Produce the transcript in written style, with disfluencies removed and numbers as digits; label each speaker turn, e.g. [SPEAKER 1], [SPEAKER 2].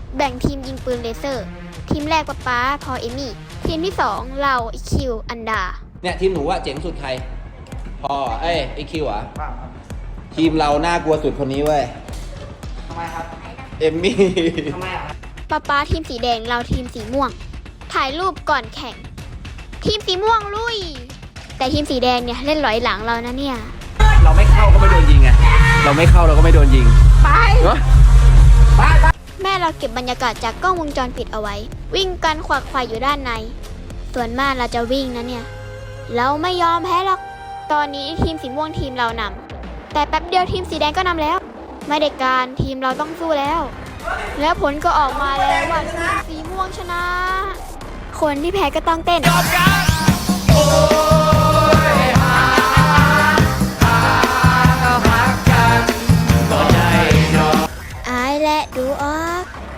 [SPEAKER 1] แบ่งทีมยิงปืนเลเซอร์ทีมแรกป๊าพอเอมี่ทีมที่2เราคิวอันดา
[SPEAKER 2] เนี่ยทีมหนูอะเจ๋งสุดใครพอไอคิวอะทีมเราน่ากลัวสุดคนนี้เว้ยทำไมครับเอมมี่ทำไมอะ
[SPEAKER 1] ป๊าทีมสีแดงเราทีมสีม่วงถ่ายรูปก่อนแข่งทีมสีม่วงลุยแต่ทีมสีแดงเนี่ยเล่นหลอยหลังเรานะเนี่ย
[SPEAKER 2] เราไม่เข้าก็ไม่โดนยิงไงเราไม่เข้าเราก็ไม่โดนยิงไป
[SPEAKER 1] แม่เราเก็บบรรยากาศจากกล้องวงจรปิดเอาไว้วิ่งกันขวักไขว่อยู่ด้านในส่วนมากเราจะวิ่งนะเนี่ยเราไม่ยอมแพ้หรอกตอนนี้ทีมสีม่วงทีมเรานำแต่แป๊บเดียวทีมสีแดงก็นำแล้วไม่ได้การทีมเราต้องสู้แล้วผลก็ออกมาแล้วว่าทีมสีม่วงชนะคนที่แพ้ก็ต้องเต้น